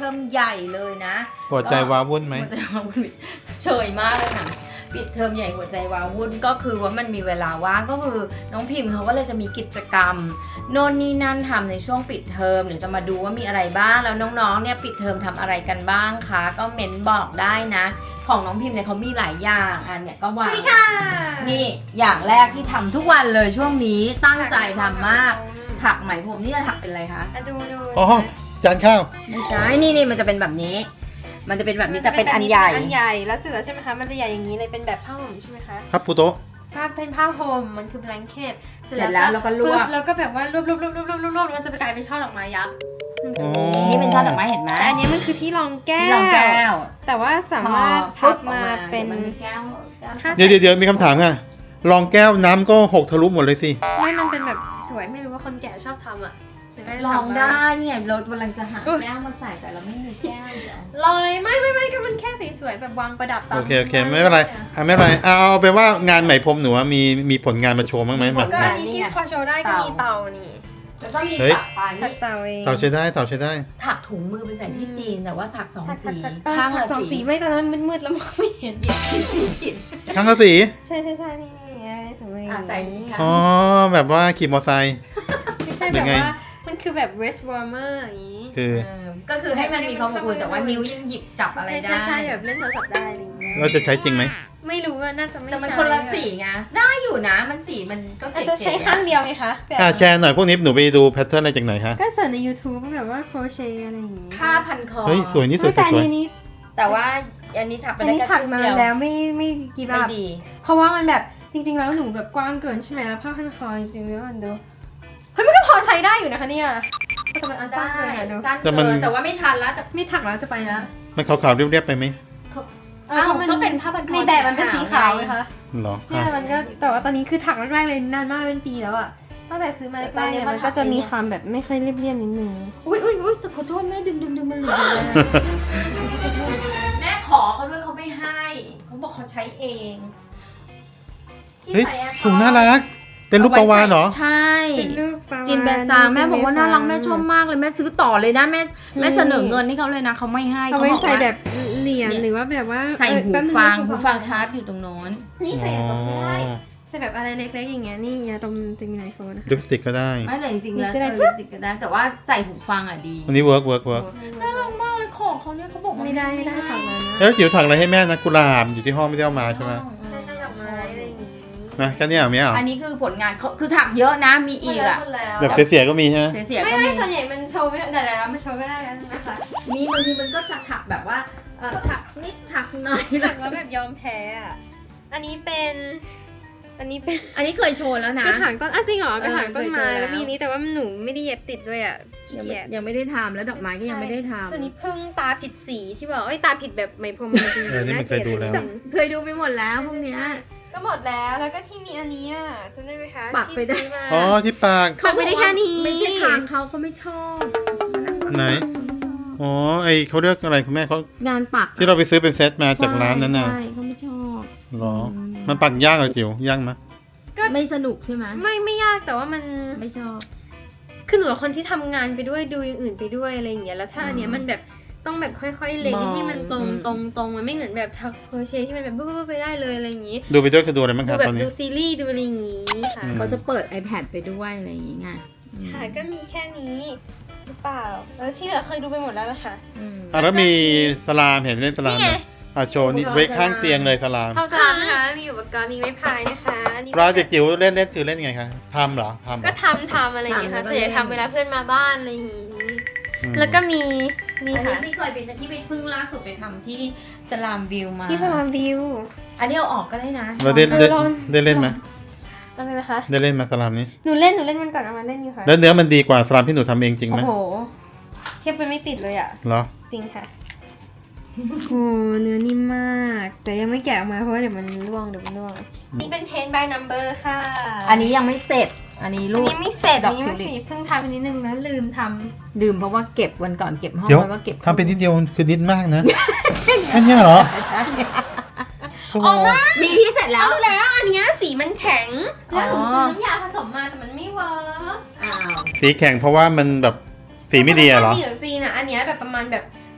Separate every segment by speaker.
Speaker 1: อมใหญ่เลยนะ
Speaker 2: หัวใจว้าวุ่นไหม
Speaker 1: หัวใจว้าวุ่นเฉยมากเลยค่ะปิดเทอมใหญ่หัวใจว้าวุ่นก็คือว่ามันมีเวลาว่างก็คือน้องพิมพ์เขาก็เลยจะมีกิจกรรมโน่นนี่นั่นทำในช่วงปิดเทอมเดี๋ยวจะมาดูว่ามีอะไรบ้างแล้วน้องๆเนี่ยปิดเทอมทำอะไรกันบ้างคะก็เม้นบอกได้นะ ของน้องพิมพ์เนี่ยเขามีหลายอย่างอันเนี่ยก็ว่า
Speaker 3: สวัสดีค่ะ
Speaker 1: นี่อย่างแรกที่ทำทุกวันเลยช่วงนี้ตั้งใจทำมากถักไหมพรมนี่จะถักเป็นอะไรคะ
Speaker 3: ดู
Speaker 2: อ๋อจานข้าว
Speaker 1: ไม่ใช่นี่มันจะเป็นแบบนี้ มันจะเป็นแบบนี้แต่เป็นอันใหญ่
Speaker 3: อันใหญ่แล้วเสร็จแล้วใช่ไหมคะมันจะใหญ่อย่างนี้เลยเป็นแบบผ้าห่มใช่ไหมคะ
Speaker 2: ครับปูโตะ
Speaker 3: เป็นผ้าห่มมันคือ blanket
Speaker 1: เสร็จแล้วเราก็ลวก
Speaker 3: แล้วก็แบบว่ารวบแล้วมันจะกลายเป็นช่อดอกไม้ยักษ์
Speaker 2: อ๋อ
Speaker 1: นี่เป็นช่อดอกไม้เห็นไหม
Speaker 3: แต่อันนี้มันคือที่รองแก้
Speaker 1: ที่รองแก้ว
Speaker 3: แต่ว่าสา
Speaker 1: พอ
Speaker 3: มารถ
Speaker 1: ปุ๊
Speaker 3: พั
Speaker 1: บบ ออก
Speaker 3: มา
Speaker 1: มา
Speaker 3: เป็น
Speaker 1: มันมีแก้ว
Speaker 3: ถ้า
Speaker 2: เดี๋ยวมีคำถามค่ะรองแก้วน้ำก็หกทะลุหมดเลยสิ
Speaker 3: ไม่มันเป็นแบบสวยไม่รู้ว่าคนแก่ชอบทำอ่ะหรือไม่
Speaker 1: ลอง
Speaker 3: ทำ
Speaker 1: ได้เนี่ยเรากำลังจะหา
Speaker 3: อุ๊ย
Speaker 1: แก้วมาใส่แต่เราไม่มีแก้วเดี๋ยว
Speaker 3: ลองเลยไม่ก็มันแค่สวยๆแบบวางประดับตาม
Speaker 2: โอเคไม่เป็นไรไม่เป็นไรเอาไปนว่างานไหมพรมหนูว่ามีผลงานมาโชว์บ้างไหมแบบ
Speaker 3: ก็อันนี้ที่พอโชว์ได้ก็มีเตานี่
Speaker 1: แล้วก็มี
Speaker 2: เฮ้ย
Speaker 1: ถักปลาย
Speaker 3: ถั
Speaker 1: นี่
Speaker 3: กเตาเอง
Speaker 2: เต่าใช้ได้
Speaker 1: ถักถุงมือไปใส่ที่จีนแต่ว่าถักสองสี
Speaker 3: ข้า
Speaker 1: ข้าง ง
Speaker 3: ละ
Speaker 1: ละ
Speaker 3: สอง
Speaker 1: สี
Speaker 3: สีไม่ตอนนั้นมันมืดแล้วมองไม่เห็น
Speaker 1: หยิบสีผิด
Speaker 2: ข้างละสี
Speaker 3: ใช่นี่ไงถุงมือ
Speaker 1: ใส่ค่ะ
Speaker 2: อ๋อแบบว่าขี่มอเตอร์ไซค์
Speaker 3: ไม่ใช่
Speaker 2: หรื
Speaker 3: แบ
Speaker 2: อบ ไง
Speaker 3: ว่ามันคือแบบ wrist warmer อย่างนี้
Speaker 2: คือ
Speaker 1: ก็คือให้มันมีความอบอุ่นแต่ว่านิ้วยังหยิบจับอะไรได้
Speaker 3: ใช่แบบเล่นโทรศัพท์ได้อะไรอย่างเงี้ย
Speaker 2: เราจะใช้จริงไหม
Speaker 3: ไม่รู้ว่าน่าจะไม่
Speaker 1: แต่มัน
Speaker 3: ใช่
Speaker 1: คนละสีไงได้อยู่นะมันสีมันก็
Speaker 3: อาจ
Speaker 1: เก๋
Speaker 3: จะใช้ข้างเดียวไงคะแบบ
Speaker 2: แชร์หน่อยพวกนี้หนูไปดูแพทเทิร์นอะไรจากไหนคะ
Speaker 3: ก็เสิร์ชใน YouTube แบบว่า crochet อะไรอย่างงี้
Speaker 1: ผ้าพันคอ
Speaker 2: เฮ้ยสวยนี่สวย
Speaker 3: แต่อั
Speaker 2: สวย
Speaker 3: นนี้
Speaker 1: แต่ว่าอันนี้ถักไป
Speaker 3: อัน
Speaker 1: ได้
Speaker 3: นี้
Speaker 1: แค่
Speaker 3: ถัก
Speaker 1: ครึ่ง
Speaker 3: มา
Speaker 1: เดียว
Speaker 3: แล้วไม่กี่
Speaker 1: ไม่
Speaker 3: บาท
Speaker 1: ดี
Speaker 3: เพราะว่ามันแบบจริงๆแล้วหนูแบบกว้างเกินใช่ไหมแล้วผ้าพันคอจริงๆแล้วมันดูเฮ้ยมันก็พอใช้ได้อยู่นะคะเนี่ยแต่มันอันสั้นเกินอะดู
Speaker 1: สั้นเกินแต่ว่าไม่ทันแล้วจะ
Speaker 3: ไม่ถักแล้วจะไปแล้ว
Speaker 2: มันขาวๆเรียบๆไปไหม
Speaker 1: อ้าวก็เป็นผ้าพันคอ
Speaker 3: ในแบบมันเป็นสีขาวไหมคะ
Speaker 2: เหรอ
Speaker 3: เนี่ยมันก็แต่ว่าตอนนี้คือถักแรกๆเลยนานมากเป็นปีแล้วอะตั้งแต่ซื้อมาแรกๆเนี่ยมันก็จะมีความแบบไม่ค่อยเรียบๆนิดนึง
Speaker 1: อุ้ยแต่ขอโทษแม่ดึงมันหลุดเลยแม่ขอเขาด้วยเขาไม่ให้เขาบอกเขาใช้เองที่
Speaker 2: เฮ้ย
Speaker 1: ใส่แอร์
Speaker 2: ถุงน่ารัก เป็นรูปปลาวาฬเหรอ
Speaker 1: ใช่
Speaker 3: เป็นรูปปลาวาฬ
Speaker 1: จินแบนซางแม่บอกว่าน่ารักแม่ชอบมากเลยแม่ซื้อต่อเลยนะแม่เสนอเงินให้เขาเลยนะเขาไม่ให้
Speaker 3: เอาไว้
Speaker 1: บอก
Speaker 3: ใส่
Speaker 1: ว่า
Speaker 3: แบบเหรียญหรือว่าแบบว่า
Speaker 1: ใส่หู
Speaker 3: แป๊บนึ
Speaker 1: ฟัง
Speaker 3: นะ
Speaker 1: หูฟังชาร์จอยู่ตรงโน้น
Speaker 3: นี่ใส่ตรงนี้ได้ใส่แบบอะไรเล็กๆอย่างเงี้ยนี่ยาดมจะมีไอโฟนนะคะ
Speaker 2: ลิปสติกก็ได้
Speaker 1: ไม่เลยจริงๆแล้ว
Speaker 3: ติดก็ได้
Speaker 1: ติดก็ได้แต่ว่าใส่หูฟังอ่ะดี
Speaker 2: วันนี้เวิร์ก
Speaker 1: น่ารักมากเลยของเขาเนี่ยเขาบอกว่า
Speaker 3: ไม่ได้ถักมานะ
Speaker 2: แล้วจิ๋วถักอะไรให้แม่นะกุหลาบอยู่ที่ห้องไม่ได้เอามาใช่ไหม
Speaker 3: ใช่ดอกไม้อะไรอย่างงี้
Speaker 2: นะแค่นี้เหรอไม่เอา
Speaker 1: อันนี้คือผลงานเขาคือถักเยอะนะมีอีกอ่ะ
Speaker 2: แบบเสียๆก็มีใช่ไหม
Speaker 1: เสียๆ
Speaker 3: ไม่
Speaker 1: ก็มี
Speaker 3: ส่วนใหญ่มันโชว์ไม่ได้แล้วมันโชว์ไม่ได้แล้วนะคะ
Speaker 1: มีบางทีมันก็จะถักแบบว่าถักนิดถักหน่อย
Speaker 3: ถักแล้วแบบยอมแพ้อะอันนี้เป็นอันนี้
Speaker 1: เคยโชว์แล้วนะ
Speaker 3: กระถางต้นจริงเหรอกระถางต้นไม้
Speaker 1: เคยเจอแล้ว
Speaker 3: แล้วมีนี้แต่ว่าหนูไม่ได้เย็บติดด้วยอ่ะขี้
Speaker 1: ยัง
Speaker 3: เกียจ
Speaker 1: ยังไม่ได้ทำแล้วดอกไม้ก็ยังไม่ได้ท
Speaker 3: ส่วนนี้พึ่งตาผิดสีที่บอกตาผิดแบบไหมพรมจริง
Speaker 2: นี่มันเคยดูแล้ว
Speaker 1: ำเคยดูไปหมดแล้วพวกเนี้ย
Speaker 3: ก็หมดแล้วแล้วก็ที่มีอันนี้อ่ะจำได้ไหมคะ
Speaker 1: ปักไปได้
Speaker 3: ที่ซื้อมา
Speaker 2: อ๋อที่ปาก
Speaker 3: เขาไม่ได้แค่นี้
Speaker 1: ไม่ใช่ทางเขาไม่ชอบ
Speaker 2: ไหน อ๋อไอเขาเรียกอะไรคุณแม่เขา
Speaker 1: งานปัก
Speaker 2: ที่เราไปซื้อเป็นเซตมาจากร้านนั้นน่ะ
Speaker 1: ใช่เขาไม่ชอบ
Speaker 2: เหรอ มันปักยากเหรอจิ๋วยากไหม
Speaker 1: ไม่สนุกใช่ไหม
Speaker 3: ไม่ยากแต่ว่ามัน
Speaker 1: ไม่ชอบ
Speaker 3: คือหนูเป็นคนที่ทำงานไปด้วยดูอย่างอื่นไปด้วยอะไรอย่างเงี้ยแล้วถ้าอันเนี้ยมันแบบต้องแบบค่อยๆเล็ง
Speaker 1: มอง
Speaker 3: ให้มันตรงมันไม่เหมือนแบบทักโครเชต์ที่มันแบบปุ๊บไปได้เลยอะไรอย่างงี้
Speaker 2: ดูไปด้วยคือดูอะไรบ้างค
Speaker 3: ดู
Speaker 2: รับ
Speaker 3: แบ
Speaker 2: ต
Speaker 3: บ
Speaker 2: อนนี้
Speaker 3: ดูซีรีส์ดูอะไรอย่างงี้ค่ะ
Speaker 2: อืม
Speaker 1: เขาจะเปิด iPad ไปด้วยอะไรอย่างงี้ไง
Speaker 3: ใช่ก็มีแค่นี้หรือเปล่าแล้วที่เหลือเคยดูไปหมดแล้วนะคะ
Speaker 1: อืม
Speaker 2: อ่ะแล้วมีสลามเห็นเล่นสลาม
Speaker 3: นี่ไง
Speaker 2: ไหมอ่ะโชว์นี่ไว้ข้างเตียงเลยสลาม
Speaker 3: เท่าสามนะคะมีอุปกรณ์มีไม้พายนะคะอันนี้
Speaker 2: ปลาเด็กจิ๋วเล่นคือเล่นไงคะทำเหรอทำเหร
Speaker 3: ก็
Speaker 2: อ
Speaker 3: ทำอะไรอย่างเงี้ยค่ะส่วนใหญ่ทำเวลาเพื่อนมาบ้านอะไรอย่างงี้
Speaker 2: อืม
Speaker 3: แล้วก็มีนี่
Speaker 1: อันนี้
Speaker 3: ค่ะ
Speaker 1: ที่เคยไปที่ไปเพิ่งล่าสุดไปทำที่สลามวิวมา
Speaker 3: ที่สลามวิว
Speaker 1: อันนี้เอาออกก็ได้นะ
Speaker 2: เราได้
Speaker 3: ลอง
Speaker 2: ได้เล่นไหม
Speaker 3: อะไรนะคะ
Speaker 2: ได้เล่นมาสลามนี้
Speaker 3: หนูเล่นมันก่อนเอามาเล่นอยู่ค่ะ
Speaker 2: แล้วเนื้อมันดีกว่าสลามที่หนูทำเองจริงไหม
Speaker 3: โอ้โหเทียบกันไม่ติดเลยอ่ะ
Speaker 2: เหรอ
Speaker 3: จริงค่ะโอ้เนื้อนิ่มมาก แต่ยังไม่แกะออกมาเพราะว่าเดี๋ยวมันร่วงนี่เป็นเพนบายนัมเบอร์ค่ะ
Speaker 1: อันนี้ยังไม่เสร็จ อันนี้
Speaker 3: อัน
Speaker 1: รูป
Speaker 3: นี้ไม่เสร็จ
Speaker 1: ด
Speaker 3: อั
Speaker 1: อน ก
Speaker 3: นี้
Speaker 1: ทิว
Speaker 3: ไม่
Speaker 1: ลิป
Speaker 3: สิเพิ่งทำไปนิดนึงแล้วลืมท
Speaker 1: ลืมเพราะว่าเก็บวันก่อนเก็บห้อง
Speaker 2: เดี๋ยว
Speaker 1: แล้วก็เก็บ
Speaker 2: ทำเป็นนิดเดียวคือนิดมากนะ แค่เนี้ยเหรอ
Speaker 1: ใช่
Speaker 2: โอ้โห
Speaker 1: มีที่เสร็จ
Speaker 3: ำ
Speaker 1: แล้ว
Speaker 3: เอาแล้วอันเนี้ยสีมันแข็ง แล้วหนู
Speaker 1: อ๋อ
Speaker 3: ซื้อน้ำยาผสมมาแต่มันไม่เวิร์ก
Speaker 1: อ้าว
Speaker 2: สีแข็งเพราะว่ามันแบบสีไม่ดีอะเหรอ
Speaker 3: สีของจีนอ่ะอันเนี้ยแบบประมาณแบบ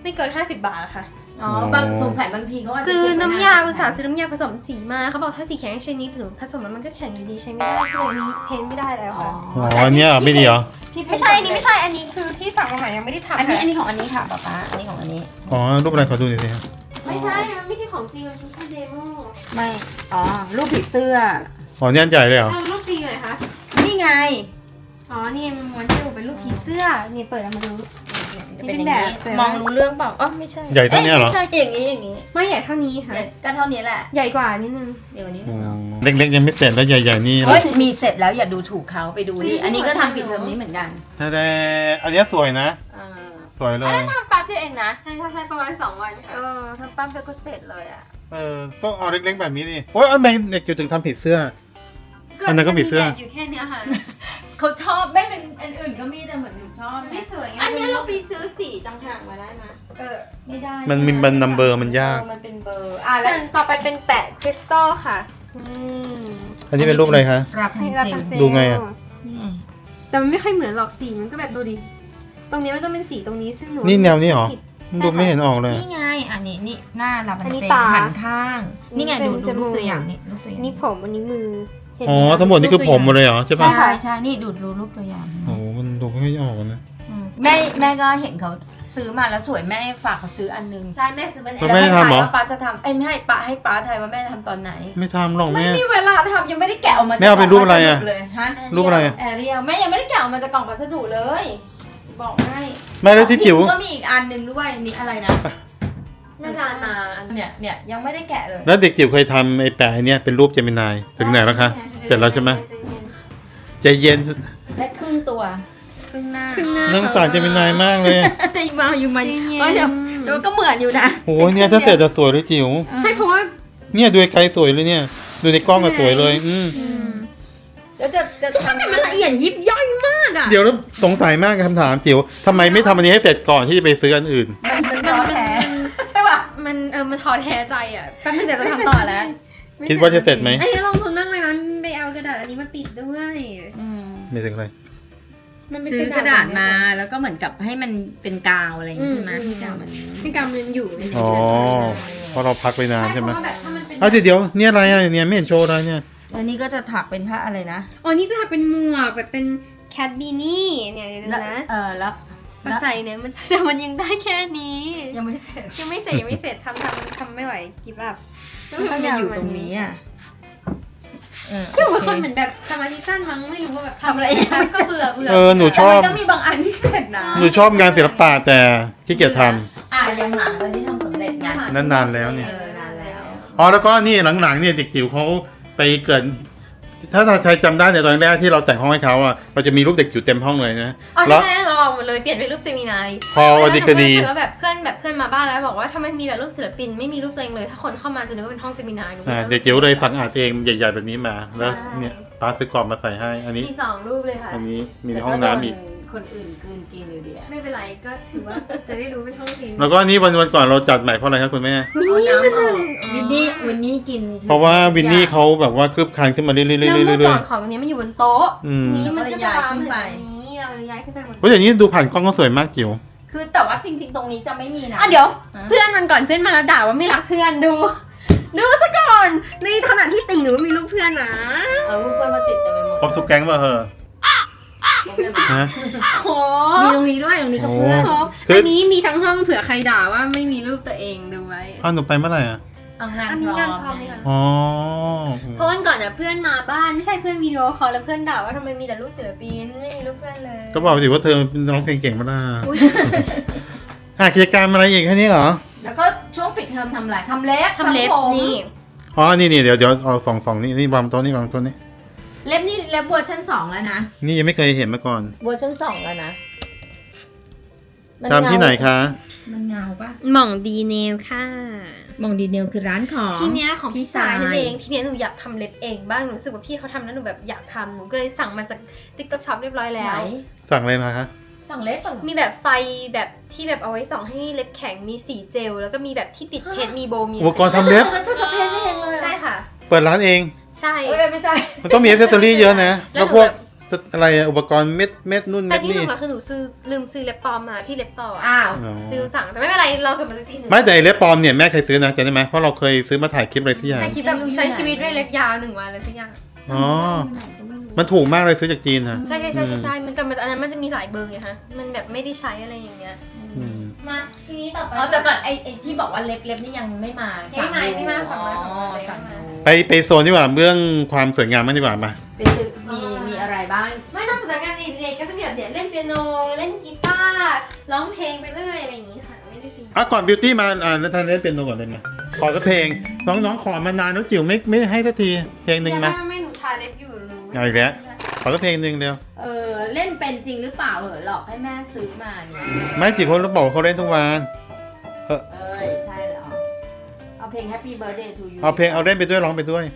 Speaker 3: ไม่เกิน50 บาทอะค่ะ
Speaker 1: อ๋อบางสงสัยบางทีเขาอาจจะ
Speaker 3: ซื้อน้ำยา
Speaker 1: เก็บไว้
Speaker 3: อุตส่าห์ซื้อน้ำยาผสมสีมาเขาบอกถ้าสีแข็งชนิดหรือผสมแล้วมันก็แข็งอยู่ดีใช้ไม่ได้ก็เลยเพ้นไม่ได้แล้ว
Speaker 1: อ๋อ
Speaker 3: ค่ะ
Speaker 2: อ๋อเนี่ยไม่ดีเหรอ
Speaker 1: ที่
Speaker 3: ไม่ใช่อันนี้ไม่ใช่อันนี้คือที่สั่งมาใหม่ยังไม่ได้ทำ
Speaker 1: อันนี้
Speaker 3: ค่ะ
Speaker 1: อันนี้ของอันนี้ค่ะป๊าป๊าอันนี้ของอันนี้
Speaker 2: อ๋อรูปอะไรขอดูหน่อยสิครับ
Speaker 3: ไม่ใช่มันไม่ใช่ของจริงมันคือแค่เดโม
Speaker 1: ไม่อ๋อรูปผีเสื้อ
Speaker 2: อ๋อเนี่ยอันใหญ่เลยเหรอ
Speaker 3: ทำรูปจริงเลยคะ
Speaker 1: นี่ไง
Speaker 3: อ๋อนี่มันม้วนให้ดูเป็นรูปผีเสื้อนี่เปิดออกมาดู
Speaker 1: จะเป็นอย่างนี้
Speaker 3: เป็นแบบ
Speaker 1: มองรู้เรื่องเปล่าอ๋อไม่ใช่
Speaker 2: ใหญ่เท่าเนี้ยเหรอ
Speaker 1: ไม่ใช่อย่างนี้อย่างนี้
Speaker 3: ไม่ใหญ่เท่านี้ค่ะ
Speaker 1: ก็เท่านี้แหละ
Speaker 3: ใหญ่กว่านิดนึง
Speaker 1: เดี๋ยวนี้
Speaker 2: อ๋อเล็กๆยังไม่เสร็จแล้วใหญ่ๆนี่
Speaker 1: เฮ้ยมีเสร็จแล้วอย่าดูถูกเขาไปดูนี่อันนี้ก็ทำปิดเทอมนี้เหมือนกัน
Speaker 2: แต่อันเนี้ยสวยนะ
Speaker 1: อ่า
Speaker 2: สวยเลย
Speaker 1: ทำแป๊บเดียวเองนะ
Speaker 3: ใช่ประมาณ2 วันค่ะ
Speaker 1: ทำแป๊บเดียวก็เสร็จเลยอ่ะ
Speaker 2: ก็เอาเล็กๆแบบนี้ดิโอ้ยเอาแมงเด็กจุดถึงทำผิดเสื้อ อันนั้นก็ผีเสื้อ
Speaker 3: อยู่แค่เนี้ยค่ะ
Speaker 1: เขาชอบไม่เป็นอันอื่นก็มีแต่เหมือนหนูชอบ
Speaker 3: ไม่สวยไง
Speaker 1: อันเนี้ยเราไปซื้อสีต่างหากมาได้ไหมไม่ได้
Speaker 2: มันมีบันนัมเบอร์มันยาก
Speaker 1: มันเป็นเบอร์อ่ะ
Speaker 3: ส่
Speaker 1: แล้ว
Speaker 3: วนต่อไปเป็นแปะคริสตัลค่ะ
Speaker 2: อันนี้เป็นรูปอะไรคะ
Speaker 1: รับ
Speaker 3: ให้
Speaker 1: ให้
Speaker 3: รับ
Speaker 1: เซล
Speaker 3: ทำเซล
Speaker 2: ดูไงอะ
Speaker 3: แต่มันไม่ค่อยเหมือนหรอกสีมันก็แบบดูดิ ตรงนี้มันต้องเป็นสีตรงนี้ซึ่งหนู
Speaker 2: นี่แนวนี้เหรอ
Speaker 3: ผิด
Speaker 2: ดูไม่เห็นออกเลย
Speaker 1: นี่ไงอันนี้นี่หน้ารับ
Speaker 3: อันนี้
Speaker 1: เซล
Speaker 3: ตา
Speaker 1: หันข้าง นี่ไง
Speaker 3: เป็
Speaker 1: ดู
Speaker 3: น
Speaker 1: ดู
Speaker 3: จมู
Speaker 1: รู
Speaker 3: ก
Speaker 1: ปตัวอย่างนี่รูปตัวอย่าง
Speaker 3: นี่ผมอันนี้มือเนไ
Speaker 2: อ๋อทั้งหมดนี่คือผมหมดเลยเหรอใช่ป่ะ
Speaker 1: ใช่ใช่นี่ดูรูปตัวอย่าง
Speaker 2: โอ้โหมันดูไม่ออกนะ
Speaker 1: แม่ก็เห็นเขาซื้อมาแล้วสวยแม่ฝากเขาซื้ออันนึง
Speaker 3: ใช่แม่ซื้อเป็น
Speaker 2: แล้วแม่ทำเหรอ
Speaker 1: ว่าป้าจะทำไม่ให้ป้าทายว่าแม่ทำตอนไหน
Speaker 2: ไม่ทำหรอก
Speaker 1: ไม่
Speaker 2: แม่
Speaker 1: มีเวลาทำยังไม่ได้แกะออกมา
Speaker 2: แม่เอาเป็นรูปอะไรอะ
Speaker 1: จากกล่งพัสดุเลยฮะ
Speaker 2: รูปอะไรอะ
Speaker 1: แอเรียลแม่ยังไม่ได้แกะออกมาจากกล่องพัสดุเลย บอกให้
Speaker 2: แม่แล้วที่จิ๋ว
Speaker 1: ก็มีอีกอันหนึ่งด้วยนี่อะไรนะ
Speaker 3: น่าจะนาน
Speaker 1: เนี่ยยังไม่ได้แกะเลย
Speaker 2: แล้วเด็กจิ๋วเคยทำไอ้แปะเนี่ยเป็นรูปเจมินายถึงไหนแล้วคะเสร็จแล้วใช่ไหมใจเย็น
Speaker 1: และครึ่งตัวครึ่งหน้า
Speaker 2: นั่งสารเจมินายมากเลย
Speaker 1: แต่มาอยู่มา
Speaker 3: เย็นๆ
Speaker 1: ก็เดี๋ยวก็เหมือนอยู่นะ
Speaker 2: โอ้โหเนี่ยถ้าเสร็จจะสวยเลยจิ๋ว
Speaker 3: ใช่เพราะว่า
Speaker 2: เนี่ยดูไกลๆสวยเลยเนี่ย ดูในกล้องก็สวยเลย
Speaker 1: แล้วจะทำ
Speaker 3: แต่มันละเอียดยิบย่อยมากอ่ะ
Speaker 2: เดี๋ยวแล้วสงสัยมากกับคำถามจิ๋วทำไมไม่ทำอันนี้ให้เสร็จก่อนที่จะไปซื้ออันอื่น
Speaker 1: มันท้อแท้ใช่ป่ะ
Speaker 3: มันท้อแท้ใจอ่ะแป๊บนึงเดี๋ยวจะ
Speaker 1: ไม่เสร็จ
Speaker 3: ทำต่อแล้ว
Speaker 2: คิดว่าจะเสร็จไหม
Speaker 3: อันนี้ลงทุนมากเลยนะไปเอากระดาษอันนี้มาปิดด้วย
Speaker 2: ไม่ถึงอะไร
Speaker 3: มันเป็น
Speaker 1: ซื้อกระดาษมาแล้วก็เหมือนกับให้มันเป็นกาวอะไรอย่างงี้ใช่ไหมที่กาวมัน
Speaker 3: เป็นกำมันอยู่ใน
Speaker 2: อ๋อเพราะเราพักไปนานใช่ไหม
Speaker 3: เพราะว่าแบบถ้ามันเป็น
Speaker 2: เอาเดี๋ยวเนี่ยอะไรอ่ะเนี่ยไม่เห็นโชว์อะไรเนี่ย
Speaker 1: อันนี้ก็จะถักเป็นผ้าอะไรนะ
Speaker 3: อ๋อนี่จะทำเป็นหมวกแบบเป็นแคทบีนี่เนี่ยเดี๋ยวนะ
Speaker 1: แล้ว
Speaker 3: มาใส่เนี่ยมันแต่มันยังได้แค่นี้
Speaker 1: ยังไม่เสร็จ
Speaker 3: ยังไม่เสร็จทำไม่ไหวกิบแบบ
Speaker 1: มันอยู่ตรงนี้อ่ะ
Speaker 3: คือเป็นคนเหมือนแบบสมาธิสั้นมั้งไม่รู้ว่าแบบทำอะไรก็เบื่อ
Speaker 2: หนูช
Speaker 1: แต่
Speaker 2: อบ
Speaker 1: มันต้องมีบางอันที่เสร็จนะ
Speaker 2: หนูชอบงานศิลปะแต่ขี้เกียจท
Speaker 1: ยังหลังตอนที่ทำสำเร็จไง
Speaker 2: ำนั่นนานแล้วเนี่ย
Speaker 1: นานแล้ว
Speaker 2: อ๋อแล้วก็นี่หลังๆเนี่ยเด็กจิ๋วเขาไปเกิด ถ้าใครจำได้ในยตอนแรกที่เราแต่งห้องให้เขาอ่ะเราจะมีรูปเด็กจิ๋วเต็มห้องเลยนะ
Speaker 3: อ๋อ
Speaker 2: แล้ว
Speaker 3: ใช่เราออกหมดเลยเปลี่ยนเป็นรูปเซมินาย
Speaker 2: พอวันดีกดี
Speaker 3: แล้วแบบเพื่อนมาบ้านแล้วบอกว่าทำไมมีแต่รูปศิลปินไม่มีรูปตัวเองเลย ถ้าคนเข้ามาจะนึกว่าเป็นห้องเซมินายหนู
Speaker 2: เด็กจิ๋วเลยฝังอาดเองใหญ่ๆแบบนี้มาแล้วเนี่ยป้าซื้อกล่องมาใส่ให้ อันนี้
Speaker 3: มี2รูปเลยค่ะ
Speaker 2: อันนี้มีในห้องน้ำอีก
Speaker 1: คนอื่นกลืนกินอยู่ดีอะ
Speaker 3: ไม่เป็นไรก็ถือว่าจะได้รู้เป็นห้องจริง
Speaker 2: แล้วก็อันนี้วันก่อนเราจัดใหม่เพราะอะไรครับคุณแม่
Speaker 1: เอาน้ำออกวินนี่กิน
Speaker 2: เพราะว่าวินนี่เขาแบบว่าคืบคลานขึ้นมาเรื่อยๆ
Speaker 3: แล้วเมื่อ
Speaker 2: เรื่
Speaker 3: ก่
Speaker 2: อ
Speaker 3: อย นของตรงนี้มันอยู่บนโต๊ะ
Speaker 2: ๆอืม
Speaker 3: นี้มันก็จะวางขึ้นไปนี้เราเลยย้ายขึ้นไปบน
Speaker 2: เพราะอย่างนี้ดูผ่านกล้องก็สวยมากจิ๋ว
Speaker 1: คือแต่ว่าจริง ๆ ตรงนี้จะไม่มีนะ
Speaker 3: เดี๋ยวเพื่อนมันก่อนเพื่อนมาแล้วด่าว่าไม่รักเพื่อนดูซะก่อนในขณะที่ติ่งหนูมีรูปเพื่อนนะ
Speaker 1: เอารูปเพื่อนมาติดเต็มไปหมด
Speaker 2: ครบทุกแก๊งป่ะเหรอฮะ
Speaker 3: โอ้
Speaker 1: มีตรงนี้ด้วยตรงนี้ก็เพื่อน
Speaker 2: โอ้
Speaker 3: อันนี้มีทั้งห้องเผื่อใครด่าว่าไม่มีรูปตัวเองดูไว้
Speaker 2: อ้าวหนูไปเมื่อไหร่อ่ะ
Speaker 1: เอางาน
Speaker 3: อัน
Speaker 1: พ
Speaker 3: นี้
Speaker 1: ร้
Speaker 3: งาน
Speaker 1: อม
Speaker 3: พร้อมไหมคะ
Speaker 2: อ๋อ
Speaker 3: เพราะวันก่อนเพื่อนมาบ้านไม่ใช่เพื่อนวิดีโอคอลแล้วเพื่อนด่าว่าทำไมมีแต่รูปศิลปินไม่มีรูปเพื่อนเลย
Speaker 2: ก็บอกสิว่าเธอเป็นร้องเพลงเก่งมาล่ะ
Speaker 3: อุ๊ย
Speaker 2: กิจกรรมอะไรอีกแค่นี้เหรอ
Speaker 1: แล้วก็ช่วงปิดเทอมทำอะไรทำเล็บ
Speaker 3: ทำเล็บ
Speaker 1: ผม
Speaker 3: นี่
Speaker 2: อ๋อ นี่เดี๋ยวเอาสองนี่วางโต๊ะนี่วางโต๊ะนี่
Speaker 1: เล็บนี่เล็บเวอร์ชัน2แล้วนะ
Speaker 2: นี่ยังไม่เคยเห็นมาก่อน
Speaker 1: เวอร์ชัน2แล้วนะ
Speaker 2: ทำที่ไหนคะ
Speaker 1: มันเงาปะ
Speaker 3: หม่องดีเนลค่ะ
Speaker 1: มองดีเนลคือร้านของ
Speaker 3: ทีเนี้ยของพี่สาย
Speaker 1: พี่สาย
Speaker 3: นั่นเองทีเนี้ยหนูอยากทำเล็บเองบ้างหนูรู้สึกว่าพี่เขาทำแล้วหนูแบบอยากทำหนูก็เลยสั่งมาจาก TikTok Shop เรียบร้อยแล้
Speaker 1: ไหน
Speaker 3: ว
Speaker 2: สั่งอะไรมาคะ
Speaker 1: สั่งเล็บก่อน
Speaker 3: มีแบบไฟแบบที่แบบเอาไว้ส่องให้เล็บแข็งมีสีเจลแล้วก็มีแบบที่ติดเพชรมีโบมี
Speaker 2: อุปกรณ์ทำเล็บ
Speaker 1: มันจะเพ้นเองเลย
Speaker 3: ใช่ค่ะ
Speaker 2: เปิดร้านเอง
Speaker 3: ใช่
Speaker 1: เอ้ยไม่ใช่
Speaker 2: มันต้องมีอ c เซสซอรี่เยอะนะ
Speaker 3: แล้
Speaker 2: แล้ว ว
Speaker 3: ห
Speaker 2: พ
Speaker 3: นู
Speaker 2: วก
Speaker 3: แบบ
Speaker 2: อะไรอะอุปกรณ์เม็ดนู่น
Speaker 3: แต่
Speaker 2: เม็ด
Speaker 3: ที่
Speaker 2: นี่
Speaker 3: สำคัญคือหนูลืมซื้อเล็บปลอมมาที่เล็บต่ออะ
Speaker 1: อ้าว
Speaker 2: อ๋อ
Speaker 3: ลืมสั่งแต่ไม่เป็นไรเราเกิดมาซื้อที่หนึ่ง
Speaker 2: ไม่แต่เล็บปลอมเนี่ยแม่เคยซื้อนะจำได้ไหมเพราะเราเคยซื้อมาถ่ายคลิปอะไรที่อย่าง
Speaker 3: แต่คิดแบบใช้ชีวิตด้วยเล็บยาว1 วันเลยสักอย่าง
Speaker 2: อ๋อมันถูกมากเลยซื้อจากจีนฮะ
Speaker 3: ใช่มันจะอันนั้นมันจะมีหลายเบอร์ไงฮะมันแบบไม่ได้ใช้อะไรอย่างเงี้ย
Speaker 2: อืม
Speaker 3: มาทีนี้ต่อไป
Speaker 1: อ๋อแต่ก่อนไอ้ที่บอกว่าเล็บนี่ยังไม่มา
Speaker 3: ไม่มาสั่งมา
Speaker 1: อ๋อ
Speaker 3: สั่
Speaker 1: สั่ง
Speaker 3: งมา
Speaker 1: ดู
Speaker 2: ไปโซนดีกว่าเรื่องความสวยงามมันดีกว่ามา
Speaker 1: ไปซื้อมีอะไรบ้าง
Speaker 3: ไม่นอกจากงานเด็กๆก็จะมีแบบเนี่ยเล่นเปียโนเล่นกีตาร์ร้องเพลงไปเรื่อยอะไรอย่างงี้ค่ะไม่ได้จริง
Speaker 2: ก่อนบิวตี้มาแล้วท่านเล่นเป็นโนก่อนเลยนะขอสักเพลงน้องขอมานานน้องจิ๋วไม่ให้สักทีเพลงหนึ่งมา
Speaker 3: ไม่หนูทาเล็บอยู่หนู
Speaker 2: เอาอีกแล้ว ขอสักเพลงหนึ่งเดียว
Speaker 1: เล่นเป็นจริงหรือเปล่าหลอกให้แม่ซื้อมาเนี่ย
Speaker 2: ไม่จิ๋วเขาบอกว่าเขาเล่นทุกวัน
Speaker 1: ใช่เหรอเอาเพลง Happy Birthday to you
Speaker 2: เอาเพลงเอาเล่นไปด้วยร้องไปด้วย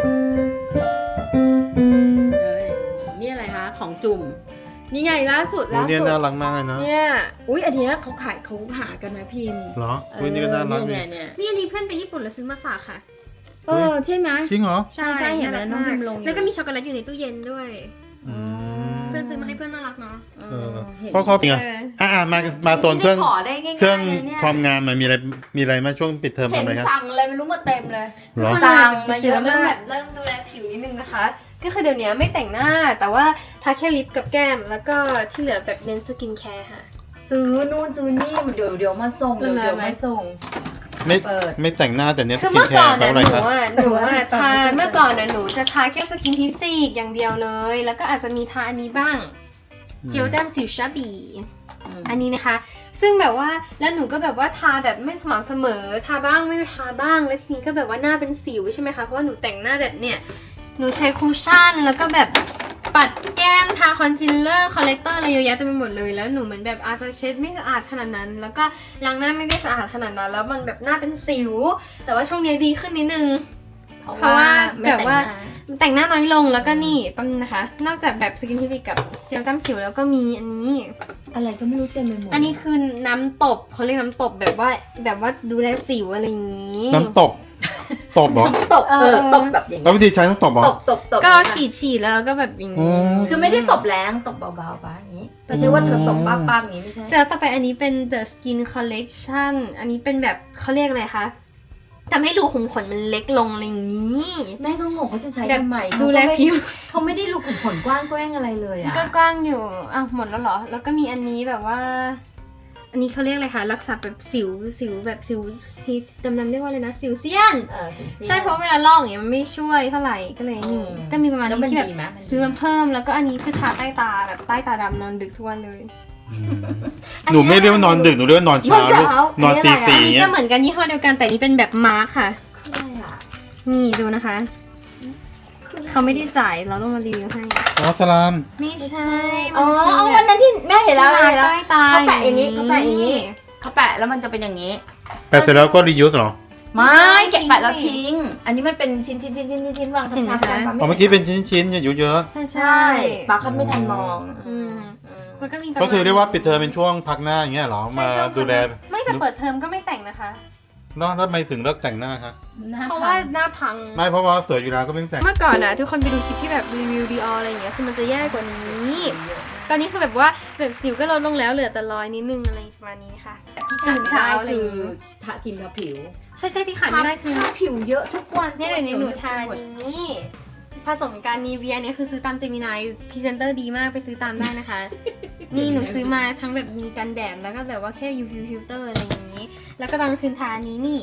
Speaker 1: นี่อะไรคะของจุ่มนี่ไงล่าสุด
Speaker 2: เนี่ยน่ารักมากเลยเนาะ
Speaker 1: เนี่ยอุ้ยอันเนี้ยเขาหากันนะพิมพ์
Speaker 2: เหรออุ้ยนี่ก็น่ารักดี
Speaker 1: เนี่ย
Speaker 3: นี่อันนี้เพื่อนไปญี่ปุ่นแล้วซื้อมาฝากค่ะ
Speaker 1: ใช่ไหม
Speaker 2: จริงเหรอ
Speaker 1: ใช่เห็นไหมน้องพิมพ์ลงอยู่
Speaker 3: แล้วก็มีช็อกโกแลตอยู่ในตู้เย็นด้วย
Speaker 2: อืม
Speaker 3: เพื่อนซื้อมาให้เพื่อนน่ารักเนาะ
Speaker 2: เพราะเขาเป็นไงมาโซนเครื่อง
Speaker 1: ขอได้ง่ายๆ
Speaker 2: เครื่อง
Speaker 1: นะเนี่ย
Speaker 2: ความงามมันมีอะไรมาช่วงปิดเทอม
Speaker 1: เห็
Speaker 2: ทำ
Speaker 1: น
Speaker 2: อะไรครับ
Speaker 1: สั่งอะไรไม่รู้มาเต็มเลย
Speaker 2: เหรอ
Speaker 1: สั่งมาเยอะ
Speaker 3: เริ่
Speaker 1: มาม
Speaker 3: แบ
Speaker 1: ก
Speaker 3: บเริ่มดูแลผิวนิดนึงนะคะ ก็คือเดี๋ยวนี้ไม่แต่งหน้าแต่ว่าทาแค่ลิปกับแก้มแล้วก็ที่เหลือแบบเน้นสกินแคร์ค่ะ
Speaker 1: ซื้อนู่นซื้อนี่เดี๋ยวมาส่งเดี๋ยวมาส่ง
Speaker 2: ไม่
Speaker 1: เปิด
Speaker 2: ไม่แต่งหน้าแต่เนี้ยส
Speaker 3: คือ
Speaker 2: กิน
Speaker 3: เมื่อ
Speaker 2: แค
Speaker 3: ก่อ
Speaker 2: ร์
Speaker 3: น
Speaker 2: เพราะ
Speaker 3: นะ
Speaker 2: อะไร
Speaker 3: ห
Speaker 2: ค
Speaker 3: นู
Speaker 2: รับ
Speaker 3: ทาเมื่อก่อนนะหนูจะทาแค่สกินทิสติกอย่างเดียวเลย แล้วก็อาจจะมีทาอันนี้บ้างเจลแต้มสิวชาบีอันนี้นะคะ ซึ่งแบบว่าแล้วหนูก็แบบว่าทาแบบไม่สม่ำเสมอทาบ้างไม่ทาบ้างแล้วทีนี้ก็แบบว่าหน้าเป็นสิวใช่ไหมคะเพราะว่าหนูแต่งหน้าแบบเนี้ยหนูใช้คูชั่นแล้วก็แบบปัดแก้มทาคอนซีลเลอร์คอลเลกเตอร์อะไรเยอะแยะเต็มไปหมดเลยแล้วหนูเหมือนแบบอาจจะเช็ดไม่สะอาดขนาดนั้น แล้วก็ล้างหน้าไม่ได้สะอาดขนาดนั้นแล้วมันแบบหน้าเป็นสิว แต่ว่าช่วงนี้ดีขึ้นนิดนึง เพราะว่าแบบว่า แต่งหน้าน้อยลงแล้วก็นี่ปั๊มงนะคะ นอกจากแบบสกินทิฟิกกับเจลแต้มสิวแล้วก็มีอันนี้
Speaker 1: อะไรก็ไม่รู้เต็มไปหมด
Speaker 3: อันนี้คือน้ำตบเขาเรียกน้ำตบแบบว่าดูแลสิวอะไรอย่างนี้
Speaker 2: น้ำตบตบเหรอ
Speaker 1: ตบตบแบบอย่าง
Speaker 2: แล้ว
Speaker 1: นี้
Speaker 2: วิธีใช้ต้องตบเหรอ
Speaker 1: ตบ
Speaker 3: ก็ฉีดแล้วก็แบบอย่าง
Speaker 2: อื
Speaker 3: นี้
Speaker 2: ม
Speaker 1: คือไม่ได้ตบแรงตบเบาๆปะอย่างนี้ไม่ใช่ว่าเธอตบป้าๆอย่างนี้ไม่ใช่
Speaker 3: เสร็จแล้วต่อไปอันนี้เป็น The Skin Collection อันนี้เป็นแบบเขาเรียกอะไรคะทำให้รูขุมขนมันเล็กลงอะไรอย่างนี้
Speaker 1: แม่ก็งงเขาจะใช้
Speaker 3: แบบ
Speaker 1: ทำไม
Speaker 3: ดูแลผิว
Speaker 1: เขาไม่ได้รูขุมขนกว้างแกว้งอะไรเลยอ่ะ
Speaker 3: ก็กว้างอยู่อ้าวหมดแล้วเหรอ แล้วก็มีอันนี้แบบว่า อันนี้เขาเรียกอะไรคะรักษาแบบสิวแบบสิวที่ดำๆเรียกว่าอะไรนะสิวเซียน ใช่เพราะเวลาลอกอย่างเงี้ยมันไม่ช่วยเท่าไหร่ก็เลยนี่ก็มีประมาณ
Speaker 1: แล้ว
Speaker 3: นี้
Speaker 1: มัน
Speaker 3: ที่แบบ
Speaker 1: ดีไหม
Speaker 3: ซื้อมาเพิ่มแล้วก็อันนี้คือทาใต้ตาแบบใต้ตาดำนอนดึกทุกวันเลย
Speaker 2: หนูไม่เรียกว่านอนดึกหนูเรียกว่านอนเช้าลูกนอนตี
Speaker 3: อั
Speaker 2: สี่
Speaker 3: นนี้
Speaker 2: เงี้
Speaker 3: ก็
Speaker 2: ย
Speaker 3: เหมือนกันยี่ห้อเดียวกันแต่นี่เป็นแบบมาร์คค่ะ
Speaker 1: คืออะไรอ่ะ
Speaker 3: นี่ดูนะคะเขาไม่ได้ใส่เราต้องมารีวิวให้
Speaker 2: อ๋อสลาม
Speaker 3: ไม่ใช่
Speaker 1: อ๋อวันนั้นที่แม่เห็นแล้ว
Speaker 3: ใต้ตา
Speaker 1: เขาแปะอย่างนี้เขาแปะอย่างนี้เขาแปะแล้วมันจะเป็นอย่างนี้
Speaker 2: แปะเสร็จแล้วก็รียูสเหรอ
Speaker 1: ไม่แกะแปะแล้วทิ้ง อันนี้มันเป็นชิ้นวางทับๆกัน
Speaker 2: อ๋อเมื่อกี้เป็นชิ้นๆอยู่เยอะ
Speaker 3: ใช่
Speaker 1: ใช่ปาเขาไม่ทันมอง
Speaker 3: มันก็มี
Speaker 2: ก็คือเรียกว่าปิดเทอมเป็นช่วงพักหน้าอย่างเงี้ยเหรอมาดูแล
Speaker 3: ไม่แต่เปิดเทอมก็ไม่แต่งนะคะ
Speaker 2: แล้วทำไมถึงเลิกแต่งหน้าคะ
Speaker 3: เพราะว่าหน้าพัง
Speaker 2: ไม่เพราะว่าสวยอยู่แล้วก็ไม่ต้องแต่ง
Speaker 3: เมื่อก่อนนะทุกคนไปดูคลิปที่แบบรีวิวดีอออะไรอย่างเงี้ยคือมันจะแย่กว่านี้ ตอนนี้คือแบบว่าแบบสิวก็ลดลงแล้วเหลือแต่รอยนิดนึงอะไรประมาณนี้ค่ะ
Speaker 1: ที่ขาดไม่ได้คือทาครีมทาผิว
Speaker 3: ใช่ที่ขาดไม่ได้คือ
Speaker 1: ทาผิวเยอะทุกวัน
Speaker 3: เนี่ยเดี๋ยวนี้หนูทานี้ผสมกันนีเวียเนี่ยคือซื้อตามเจมินายพรีเซนเตอร์ดีมากไปซื้อตามได้นะคะ นี่หนูซื้อมาทั้งแบบมีกันแดดแล้วก็แบบว่าแค่ UV filter อะไรอย่างนี้ แล้วก็ตอนกลางคืนทานี้นี่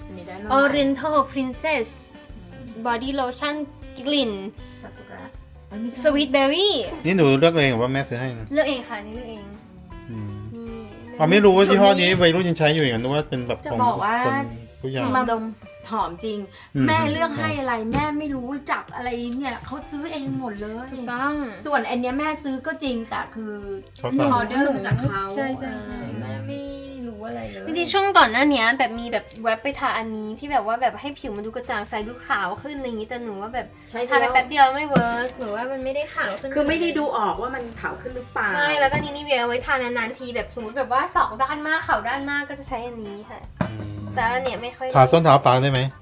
Speaker 3: Oriental Princess Body Lotion กลิ่น
Speaker 1: ซากุระ
Speaker 3: Sweet Berry
Speaker 2: นี่หนูเลือกเองหรือว่าแม่ซื้อให้นะ
Speaker 3: เลือกเองค่ะนี่เลือกเอง
Speaker 2: อืม
Speaker 3: นี่
Speaker 2: อ๋อไม่รู้ว่ายี่ห้อนี้วัยรุ่นยังใช้อยู่อย่างนั้นนึกว่าเป็นแบบ
Speaker 1: จะ
Speaker 2: ของ
Speaker 1: บอกว่า
Speaker 2: คนผู้ใหญ่
Speaker 1: มาดมหอมจริง
Speaker 2: อืม
Speaker 1: แม่เลือกให้อะไรแม่ไม่รู้จักอะไรเนี่ยเขาซื้อเองหมดเลย
Speaker 3: ถูกต้อง
Speaker 1: ส่วนอันเนี้ยแม่ซื้อก็จริงแต่คือ
Speaker 2: เขาสั่ง
Speaker 1: ออเดอร์มาจากเขา
Speaker 3: ใช่
Speaker 1: แม่ไม่รู้อะไรเลย
Speaker 3: จริงๆช่วงก่อนหน้านี้แบบมีแบบแว็บไปทาอันนี้ที่แบบว่าแบบให้ผิวมันดูกระจ่างใสดูขาวขึ้นอะไรอย่างนี้แต่หนูว่าแบบ
Speaker 1: ใช่
Speaker 3: ทาไปแป๊บเดียวไม่เวิร์กหรือว่ามันไม่ได้ขาวขึ้น
Speaker 1: คือไม่ได้ดูออกว่ามันขาวขึ้นหรือเปล่า
Speaker 3: ใช่แล้วก็นี่เวียเอาไว้ทานานๆทีแบบสมมติแบบว่าสองด้านมากขาวด้านมากก็จะใช้อันนี้ค่ะ แต่อันเนี้ยไม่ค่อย
Speaker 2: ทาส้นเท้าปลาได้ไหม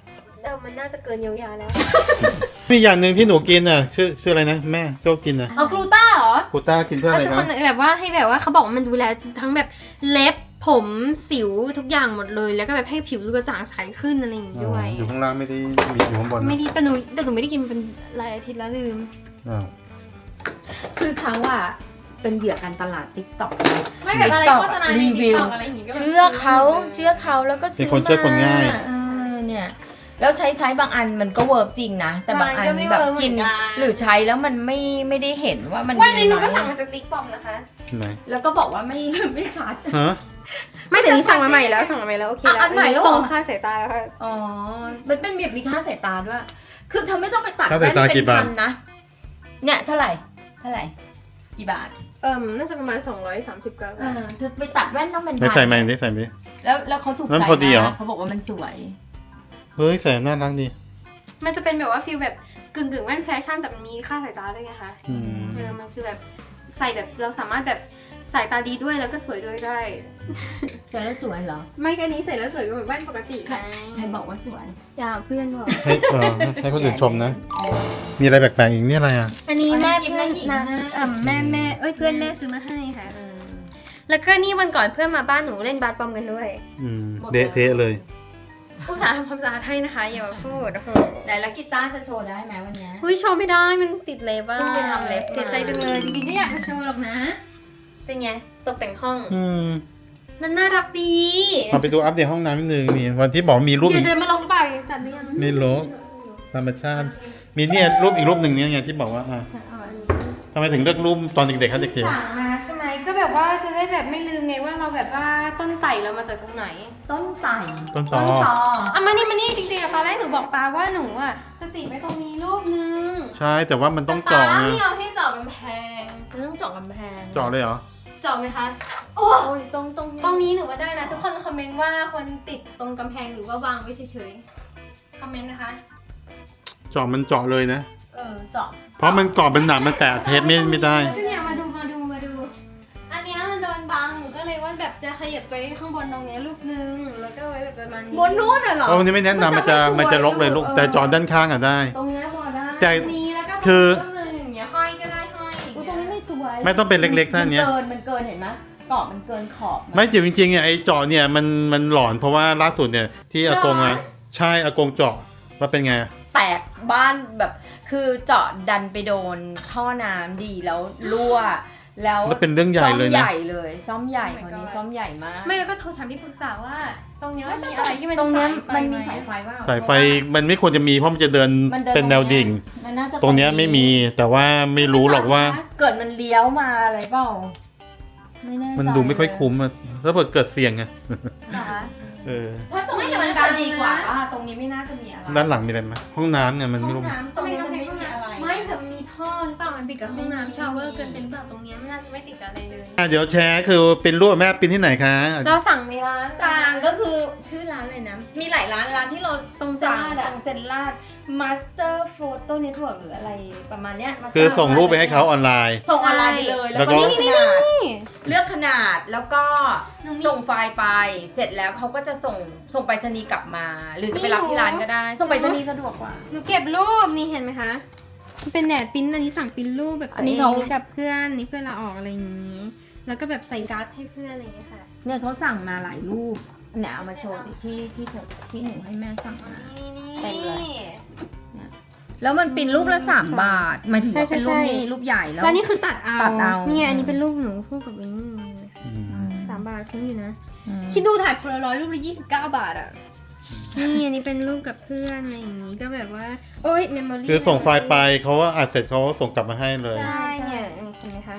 Speaker 3: มันน่าจะเกินเยียวยาแล้ว
Speaker 2: มีอย่างหนึ่งที่หนูกินอ่ะชื่ออะไรนะแม่ชอบกินอ่ะ
Speaker 3: เอากลูต้าเหรอ
Speaker 2: กูต้ากินเพื่ออะไร
Speaker 3: ทุก
Speaker 2: นะ
Speaker 3: คนแบบว่าให้แบบว่าเขาบอกว่ามันดูแลทั้งแบบเล็บผมสิวทุกอย่างหมดเลย แล้วก็แบบให้ผิวดูกระจ่างใสขึ้นอะไรอย่างงี้ด้วย
Speaker 2: อยู่ข้างล่างไม่ได้มีอยู่ข้างบนนะ
Speaker 3: ไม่ดีแต่หนูไม่ได้กินเป็นหลายอาทิตย์แล้วลืม
Speaker 2: อ้าว
Speaker 1: คือเขาอะเป็นเหยื่อการตลาดติ๊กต็อก
Speaker 3: ไม่แบบอะไร
Speaker 1: TikTok
Speaker 3: โฆษณาใน
Speaker 1: รีวิว
Speaker 3: TikTok อะไรอย่างงี้ก็แบบ
Speaker 1: เชื่อเขาแล้วก็ซื้อ
Speaker 2: เป็นคนเชื่อคนง่าย
Speaker 1: เออเนี่ยแล้วใช้บางอันมันก็เวิร์กจริงนะ แต่บางอันแบบกินหรือใช้แล้วมันไม่ได้เห็นว่ามัน
Speaker 3: ว่าในหนูก็
Speaker 1: ดี
Speaker 3: สั่ง
Speaker 1: ไหม
Speaker 3: มาจากติ๊กต็อกนะคะ
Speaker 2: ไหน
Speaker 1: แล้วก็บอกว่าไม่ชัด
Speaker 2: ฮะ
Speaker 3: ไม่แต่นี้สั่งมาใหม่แล้วโอเคแล้ว
Speaker 1: อันใหม่แล้วเหรอ
Speaker 3: ตรงค่าสายตาแล้วค่ะ
Speaker 1: อ๋อมันเป็นแบบมีค่าสายตาด้วย คือเธอไม่ต้องไปตัด
Speaker 2: ค่า
Speaker 1: แว่
Speaker 2: สายตา
Speaker 1: นเป็
Speaker 2: กี่
Speaker 1: น
Speaker 2: บา
Speaker 1: พั
Speaker 2: ท
Speaker 1: นนะเนี่ยเท่าไหร่กี่บาท
Speaker 3: น่าจะประมาณ230กรัม
Speaker 1: เธอไปตัดแว่นต้องเป็น
Speaker 2: ไม่
Speaker 1: พัน
Speaker 2: ใส่ไหมได้ใส่ไหม
Speaker 1: แล้วเขาถูก
Speaker 2: นั่น
Speaker 1: ใจ
Speaker 2: พอดีเหรอ
Speaker 1: มากเขาบอกว่ามันสวย
Speaker 2: เฮ้ยใส่น่ารักดี
Speaker 3: มันจะเป็นแบบว่าฟีลแบบกึ่งแว่นแฟชั่นแต่มันมีค่าสายตาด้วยไงคะ
Speaker 2: อืม
Speaker 3: มันคือแบบใส่แบบเราสามารถแบบสายตาดีด้วยแล้วก็สวยด้วยได้
Speaker 1: ใส่แล้วสวยเหรอ
Speaker 3: ไม่กันนี้ใส่แล้วสวยก็เหมือนแว่นปกติไง
Speaker 1: ใครบอกว่าสวย
Speaker 3: อย่าเพื่อนบอก
Speaker 2: ให้คนอื่นชมนะ มีอะไรแปลกๆอีกนี่อะไรอ่ะ
Speaker 3: อันนี้แม่เพื่อน
Speaker 1: อันนี้
Speaker 3: นะ
Speaker 1: หญิงนะ
Speaker 3: แม่เพื่อนแม่ซื้อมาให้ค่ะ แล้วก็นี่วันก่อนเพื่อนมาบ้านหนูเล่นบาสบอมกันด้วย
Speaker 2: อืมเดะเทะเลย
Speaker 3: อุตส่าห์ทำความสะอาดให้นะคะอย่ามาพูดโอ้โห
Speaker 1: ไหนแล้วกีตาร์จะโชว์ได้ไหมวันเนี้ย
Speaker 3: อุ้ยโชว์ไม่ได้มันติดเล็บอะ
Speaker 1: เพิ่งไปทำเล็บมา
Speaker 3: เสียใจจังเลยจริงๆก็อยากมาโชว์หรอกนะ เป็นไงตกแต่งห้อง
Speaker 2: อืม
Speaker 3: มันน่ารักดี
Speaker 2: มาไปดูอัปเดตห้องน้ำนิดนึงนี่วันที่บอกมีรูป
Speaker 3: เดี๋
Speaker 2: อี
Speaker 3: ยว
Speaker 2: ก
Speaker 3: เดินมาลงหรือเปล่าจัดหรือยัง
Speaker 2: ไม่รู้ธรรมชาติ มีเนี่ยรูปอีกรูปหนึ่งเนี่ยไงที่บอกว่าอ่ะ
Speaker 3: อ๋ออันนี้
Speaker 2: ทำไมถึงเลือกรูปตอนเด็กๆเขาเด็ก
Speaker 3: สั่งมาใช่ไหมก็แบบว่าจะได้แบบไม่ลืมไงว่าเราแบบว่าต้นไต่เรามาจากตรงไหน
Speaker 1: ต้นไต่
Speaker 2: ๆต้นตอ
Speaker 3: อ่ะมานี่จริงๆอะตอนแรกหนูบอกปาว่าหนูอ่ะจะติดไว้ตรงนี้รูปนึง
Speaker 2: ใช่แต่ว่ามันต้องเจาะ
Speaker 3: แต่
Speaker 2: ไง
Speaker 3: ปาไม่ยอมให้เจาะกำแพง
Speaker 1: มันต้องเจาะกำแพง
Speaker 2: เจาะเลยเหรอ
Speaker 3: เจาะไหมคะ
Speaker 1: โอ้ยตรง
Speaker 3: ตรงนี้หนูก็ได้นะ ทุกคนคอมเมนต์ว่าควรติดตรงกำแพงหรือว่าวางไว้เฉยๆคอมเมนต์นะคะ
Speaker 2: เจาะมันเจาะเลยนะ
Speaker 1: เจาะ
Speaker 2: เพราะมันกรอบมันหนามันแตะเทปไม่ได้
Speaker 3: แล้วก็เนี่ยมาดู อันเนี้ยมันโดนบังหนูก็เลยว่าแบบจะขยับไปข้างบนตรงเนี้ยรูปนึงแล้วก็ไว้แบบประมาณนี้
Speaker 1: บนนู้นน่ะเหรอ
Speaker 2: โอ้นี่ไม่แนะนำมันจะลกเลยลูกแต่เจาะด้านข้างอ่ะได้
Speaker 1: ตรงเนี้ยพอได้
Speaker 2: แต่
Speaker 3: ตรงนี้แล้วก็
Speaker 2: คือ
Speaker 3: รูปนึงอย่างเงี้ยห้อยก็ได้ห้อยอย่าง
Speaker 1: อุ๊ย
Speaker 3: เงี้ย
Speaker 1: ตรงนี้ไม่สวย
Speaker 2: ไม่ต้องเป็นเล็กๆท่านี้
Speaker 1: มันเกินเห็นไหมกรอบมันเกินขอบ
Speaker 2: ไม่จิ๋วจริงๆเนี่ยไอ้เจาะเนี่ยมันหลอนเพราะว่าล่าสุดเนี่ยที่อากงอ่ะใช่อากงเจาะว่าเป็นไง
Speaker 1: แตกบ้านแบบคือเจาะดันไปโดนท่อน้ำดีแล้วรั่ว แล้ว
Speaker 2: แล้วเป็นเรื่องใหญ่เลยนะ
Speaker 1: ซ่อมใหญ่เลยซ่อมใหญ่คนนี้ซ่อมใหญ่มาก
Speaker 3: ไม่แล้วก็โทรถามที่ปรึกษาว่า ตรงเนี้ยมันมีอะไรที่มัน
Speaker 1: ตรงเนี้ย
Speaker 3: สายไฟ
Speaker 1: มันมี
Speaker 3: ไห
Speaker 1: สายไฟว่า
Speaker 2: สายไฟมันไม่ควรจะมีเพราะมันจะเดิน
Speaker 1: มันเดิน
Speaker 2: เป็นแนวดิ่ง
Speaker 1: มันน่าจะ
Speaker 2: ตรงเนี้ยไม่มีแต่ว่าไม่รู้หรอกว่า
Speaker 1: เกิดมันเลี้ยวมาอะไรเปล่าไม่แน่ใจ
Speaker 2: มันดูไม่ค่อยคุ้มอะถ้าเกิดเสี่ยงอะ
Speaker 1: นะคะ
Speaker 2: เออ
Speaker 1: ถ้าตรงนี้มันจะดีกว่าตรงนี้ไม่น่าจะมีอะไร
Speaker 2: ด้านหลังมีอะไรไหมห้องน้ำเนี่ยมัน
Speaker 1: ห้
Speaker 2: ไม่
Speaker 1: อง
Speaker 2: รู้
Speaker 1: น้ำตรงนี้มันไม่มีอะไร
Speaker 3: ไม่แต่มันมีท่อหรือเปล่ามันติดกับห้องน้ำชาวเวอร์เกินเป็นเปล่าตรงเนี้ยมันน่าจะไม่ติดกับอะไรเลย
Speaker 2: เดี๋ยวแชร์คือเป็นรูปแม่ปิ้นที่ไหนคะ
Speaker 3: เราสั่งในร้าน
Speaker 1: สั่งก็คือชื่อร้านเลยนะ มีหลายร้านที่เรา
Speaker 3: ตรงเซน
Speaker 1: สั่ง
Speaker 3: ลาดอะ
Speaker 1: ตรงเซนลาด Master Photo Network หรืออะไรประมาณเนี้ย Master
Speaker 2: คือส่งรูปไปให้เขาออนไลน์
Speaker 1: ส่งออนไลน์ไปเลย
Speaker 2: แล้
Speaker 1: แล้ว
Speaker 2: วก็
Speaker 1: ก็เลือกขนาดแล้วก็
Speaker 3: หนูมี
Speaker 1: ส่งไฟล์ไปเสร็จแล้วเขาก็จะส่งไปรษณีย์กลับมา หรือจะไปรับที่ร้านก็ได้ ส่งไปรษณีย์สะดวกกว่า
Speaker 3: หนูเก็บรูปนี่เห็นไหมคะมันเป็นแหนบปริ้นอันนี้สั่งปริ้นรูปแบบ
Speaker 1: อันนี้
Speaker 3: ตัว
Speaker 1: เขา
Speaker 3: งกับเพื่อนนี่เพื่อนเราออกอะไรอย่างนี้ แล้วก็แบบใส่การ์ดให้เพื่อนอะไรอย่างเงี้ยค่ะ
Speaker 1: เนี่ยเขาสั่งมาหลายรูปเนี่ยเอามาโชว์สิที่หนูให้แม่สั่งมา เต็มเลย แล้วมันเป็นรูปละ3 บาทหมายถึงว่าเป็นรูปนี้รูปใหญ่แล้ว
Speaker 3: แล้วนี่คือตัดเอา
Speaker 1: ตัดเอา
Speaker 3: เนี่ยอันนี้เป็นรูปหนูคู่กับวินนี่
Speaker 2: อืม
Speaker 3: 3 บาทคุ้มอยู่นะ
Speaker 1: อืม
Speaker 3: คิดดูถ่ายโพลารอยด์รูปละ29 บาทอ่ะ นี่อันนี้เป็นรูปกับเพื่อนอะไรอย่างงี้ก็แบบว่า โอ๊ยเมมโมรี่
Speaker 2: คือส่งไฟล์ไปเขาว่าอัดเสร็จเขาก็ส่งกลับมาให้เลย
Speaker 3: ใช่เนี่ยเห็นไหมคะ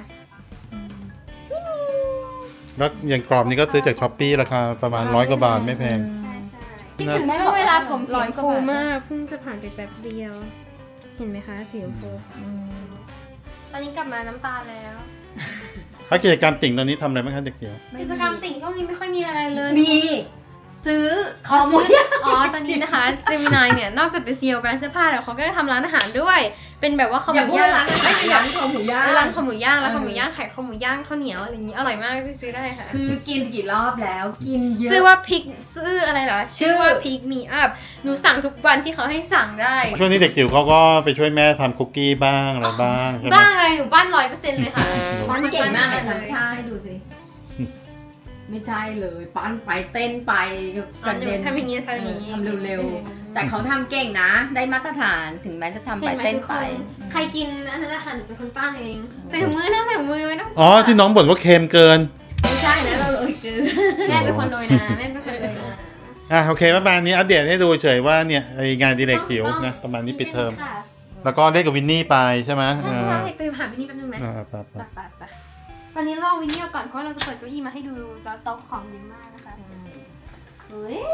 Speaker 2: แล้วอย่างกรอบนี้ก็ซื้อจากช้อปปี้ราคาประมาณ100 กว่าบาทไม่แพง
Speaker 3: ใช่คิดถึงช่วงเวลาผมสีชมพูมากเพิ่งจะผ่านไปแป๊บเดียว เห็นไหมคะสีชมพูตอนนี้กลับมาน้ำตาแล้ว
Speaker 2: ถ้ากิจกรรมติ่งตอนนี้ทำอะไรบ้างคะเด็กเขียว
Speaker 3: กิจกรรมติ่งช่วงนี้ไม่ค่อยมีอะไรเลย
Speaker 1: มีซื้อค
Speaker 3: เขา
Speaker 1: อหมู
Speaker 3: ซื้อตอนนี้นะคะเจมินายเนี่ยนอกจากเป็นซีอีโอแบรนด์เสื้อผ้าแล้วเขาก็ทำร้านอาหารด้วย เป็นแบบว่าคอห
Speaker 1: อย่า
Speaker 3: มู
Speaker 1: พูด
Speaker 3: ย่าง
Speaker 1: ร้านอาหารร้านคอหมูย่าง
Speaker 3: ร้านคอหมูย่างร้านคอหมูย่างขายคอหมูย่างข้าวเหนียวอะไรอย่างนี้อร่อยมากซื้อได้ค่ะ
Speaker 1: คือกินกี่รอบแล้วกินเยอะ
Speaker 3: ชื่อว่าพิกชื่ออะไรเหรอ
Speaker 1: ชื่อ
Speaker 3: ว่าพิกมีอัพหนูสั่งทุกวันที่เขาให้สั่งได้
Speaker 2: ช่วงนี้เด็กจิ๋วเขาก็ไปช่วยแม่ทำคุกกี้บ้างอะไรบ้างใช่ไหม
Speaker 3: บ้างไงหนูบ้าน100%เลยค่ะ
Speaker 1: ปั้นเก่งมากเลย
Speaker 3: เล
Speaker 1: ทำท่าให้ดูสิ ไม่ใช่เลยปั้นไปเต้นไปกระเด็น
Speaker 3: ทำอย่างนี้ทำอย่างนี้
Speaker 1: ทำเร็วๆ แต่เขาทำเก่งนะ ได้มาตรฐานถึงแม้จะทำไป
Speaker 3: เห็นไหม
Speaker 1: เต้น
Speaker 3: ทุกค
Speaker 1: ไป
Speaker 3: นใครกินอันนั้นนะคะหนูเป็นคนปั้นเองใส่ถุงมือนะใส่ถุงมือไว้นะ
Speaker 2: อ๋อที่น้องบ่นว่าเค็มเกิน
Speaker 1: ไม่ใช่นะเราเลยคือ
Speaker 3: แม่เป็นคนโรยนะแม่เป็นคนโรยนะ
Speaker 2: โอเคประมาณนี้อัปเดตให้ดูเฉยว่าเนี่ยไองานอดีเด็กจิ๋วนะประมาณนี้ปิดเทอม
Speaker 3: ค่ะ
Speaker 2: แล้วก็เล่นกับวินนี่ไปใช่ไหม
Speaker 3: ใช่ใช่ไปหาวินนี่แป๊บนึงไหม
Speaker 2: ไป
Speaker 3: ไปตอนนี้รอวินนี่ก่อนเพราะเราจะเปิดเก้าอี้มาให้ดูแล้วโต๊ะของเยอะมากนะคะเฮ้ย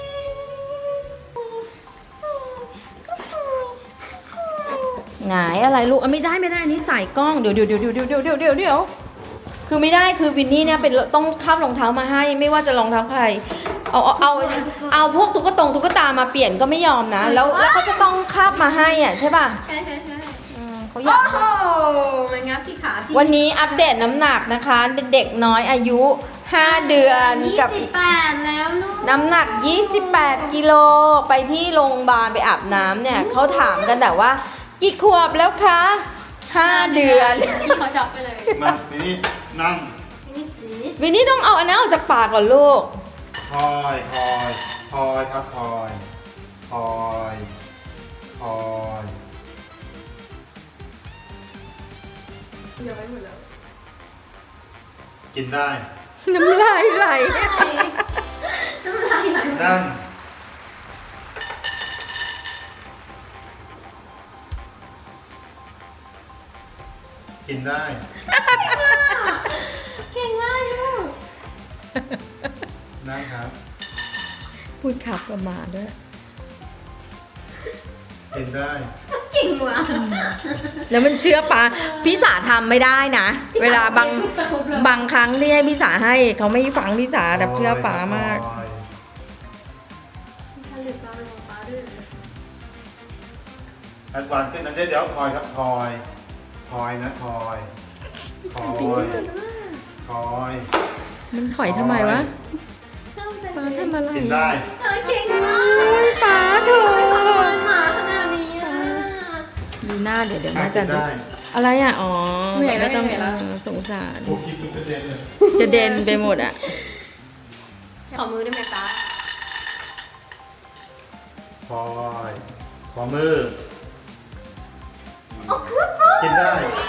Speaker 1: หงายอะไรลูกไม่ได้อันนี้สายกล้องเดี๋ยวคือไม่ได้คือวินนี่เนี่ยเป็นต้องคาบรองเท้ามาให้ไม่ว่าจะรองเท้าใครเอาพวกตุ๊กตามาเปลี่ยนก็ไม่ยอมนะ แล้วเขาจะต้องคาบมาให้อ่ะใช่ป่ะ
Speaker 3: ใช่
Speaker 1: เขาอยาก
Speaker 3: โอ้โหมันงับที่ขาพี่
Speaker 1: วันนี้อัปเดตน้ำหนักนะคะเด็กน้อยอายุ 5 เดือนกับ
Speaker 3: 28แล้วลูก
Speaker 1: น้ำหนัก 28 กิโลไปที่โรงพยาบาลไปอาบน้ำเนี่ยเขาถามกันแต่ว่ากี่ขวบแล้วคะ 5 เดือน
Speaker 3: พี่เขาช็อกไปเลย
Speaker 2: มาวินนี่นั่ง
Speaker 3: นี่สิ
Speaker 1: วินนี่ต้องเอาอันนั้นออกจากปากก่อนลูก
Speaker 2: คอยครับคอย
Speaker 3: เดี๋ยวไปหมดแล้ว
Speaker 2: กินได้
Speaker 1: น้ำลายไหล
Speaker 3: น้ำลายไหล
Speaker 2: นั่งกินได้
Speaker 3: เก่งมากลูก
Speaker 2: นั่งครับ
Speaker 1: พูดขับประมาด้วย
Speaker 2: กินได้
Speaker 3: เก่งว่ะ
Speaker 1: แล้วมันเชื่อปะพี่สาทำไม่ได้นะ เวลาบางครั้งที่ให้พี่สาให้เขาไม่ฟังพี่สาแต่เชื่อป๋ามาก
Speaker 3: ผลิตมาเป็นของป้าด้วย
Speaker 2: แอดวานซ์ขึ้นนะเดี๋ยวคอยครับคอยนะคอย
Speaker 1: มันถอยทำไมวะ
Speaker 3: เข้าใจ
Speaker 1: ป๋าทำอะไร
Speaker 2: กินได้
Speaker 3: เก่งมาก
Speaker 1: ป๋าเถอะ
Speaker 3: หมาขนาดนี้อ่ะ
Speaker 1: ดูหน้าเดี๋ยว
Speaker 2: กิ
Speaker 1: แม่จะ
Speaker 2: นได้
Speaker 1: อะไรอ่ะอ๋อ
Speaker 3: เหนื่อยแล้ว
Speaker 1: ไม่ต้อง
Speaker 3: เหนื่อยแล้ว
Speaker 1: สงสาร
Speaker 2: โอ้กินทุกประเด็นเลย
Speaker 1: จะเด่นไปหมดอ่ะ
Speaker 3: ขอมือได้ไหมป้า
Speaker 2: คอยขอมือ
Speaker 3: โอ้คือป้า
Speaker 2: กินได้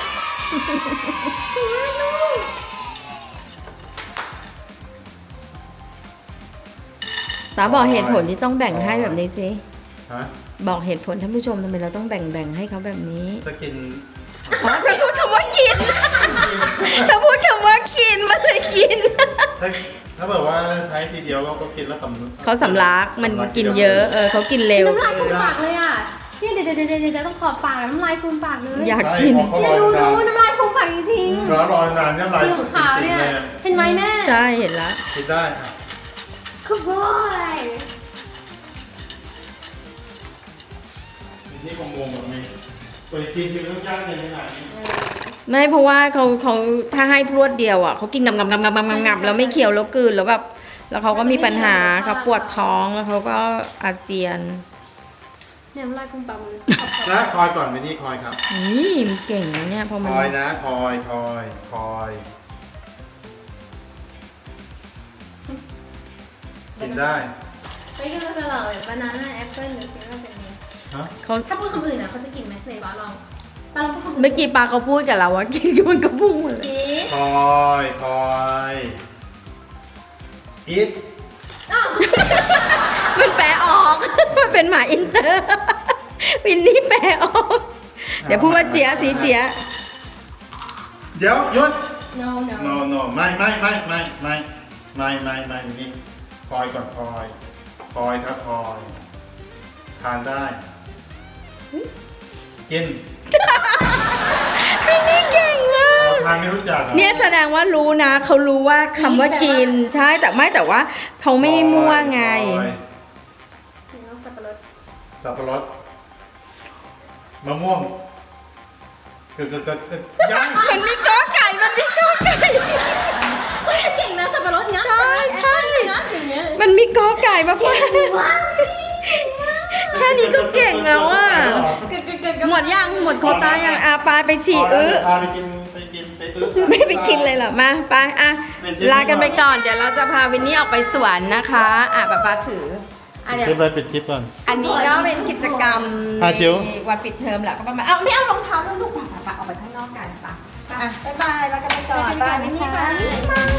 Speaker 1: ป๋าบอกเหตุผลที่ต้องแบ่งให้แบบนี้สิ
Speaker 2: ฮะ
Speaker 1: บอกเหตุผลท่านผู้ชมทำไมเราต้องแบ่งให้เขาแบบนี้
Speaker 2: จะกิน
Speaker 1: อ๋อเธอพูดคำว่ากิน เธอพูดคำว่ากินมันเลยกิน
Speaker 2: ถ้าแบบว่าใช้ทีเดียวก็กินแล้วสำ
Speaker 1: เขาสำลักมันกินเยอะเขากินเร็ว
Speaker 3: น้ำลายฟูมปากเลยอ่ะเนี่ยเดี๋ยวต้องขอบปากน้ำลายฟูมปากเลย
Speaker 1: อยากกิน
Speaker 3: เนี่ยดูน้ำลายฟูมปากจริง
Speaker 2: แล้วรอนานเนี่ยลาย
Speaker 3: สีขาวเนี่ยเห็นไหมแม่
Speaker 1: ใช่เห็นละ
Speaker 2: กินได้ค่ะ
Speaker 3: คือบอย
Speaker 2: นี่คงงงแบบนี้ตัวกินคือต้องย่างในขนาดนี้
Speaker 1: ไม่เพราะว่าเขาถ้าให้พรวดเดียวอ่ะเขากินงับแล้วไม่เคี้ยวแล้วกลืนแล้วแบบแล้วเขาก็มีปัญหาเขาปวดท้องแล้วเขาก็อาเจียน
Speaker 3: เนี่ยน้ำลายฟูมปากเลย
Speaker 2: นะคอยก่อนไปนี่คอยครับ
Speaker 1: นี่มันเก่งนะเนี่ยพอ
Speaker 2: ค
Speaker 1: มัน
Speaker 2: อยนะคอยกินได้
Speaker 3: ไม่กินแล้วจะหล่อแบบบานาน่าแอปเปิ้ลหรือสิ่งที่เป็นไง
Speaker 2: ฮะ
Speaker 1: เขา
Speaker 3: ถ้าพูดคำอื่นอ่ะเขาจะกินไหมไหนบ้าลองป้าลองพูดคำอื่น
Speaker 1: เมื่อกี้ปาเขาพูดกับเราว่ากินมันก็พุ่งหมดเลย
Speaker 3: สิ
Speaker 2: คอยอีท
Speaker 1: มันแปลออก มันเป็นหมาอินเตอร์วินนี่แปลออก เดี๋ยวพูดว่าเจียสีเจีย
Speaker 2: เดี๋ยวหยุด
Speaker 3: no no
Speaker 2: no ไม่นี่คอยก่อนคอยครับคอยทานได้กิน
Speaker 1: วินนี่เก่งมาก
Speaker 2: ทานไม่รู้จักหรอ
Speaker 1: เนี่ยแสดงว่ารู้นะเขารู้ว่าคำว่ากินใช่แต่ว่าเขาไม่มั่วไง
Speaker 3: สับปะรด
Speaker 2: สับปะรดมะม่วงเกิดยัง
Speaker 1: มันมีกอไก่มันมีกอไก่
Speaker 3: เก่งนะสับปะรดนะ
Speaker 1: ใช่ใช่
Speaker 3: นะอย่างเงี้ย
Speaker 1: มันมีกอไก่มาเพิ่มแค่นี้ก็เก่งแล้วอ่ะหมดยังหมดโควต้ายังปาไปฉี่
Speaker 2: พาไปกินไปอื้อ
Speaker 1: ไม่ไปกินเลยเหรอมาไปลากันไปก่อนเดี๋ยวเราจะพาวินนี่ออกไปสวนนะคะป้าถือเดี๋ยว
Speaker 2: คลิปเลยปิดคลิปก่อน
Speaker 1: อันนี้ก็เป็นกิจกรรม
Speaker 2: จิ๋ว
Speaker 1: ในวันปิดเทอมแหละก็ประมาณไม่เอารองเท้าแล้วลูกป่ะออกไปข้างนอกกันป่ะบ๊ายบายลากันไปก่อน
Speaker 3: ลากันไปก่อน
Speaker 1: วินนี่
Speaker 3: นะคะ
Speaker 1: บาย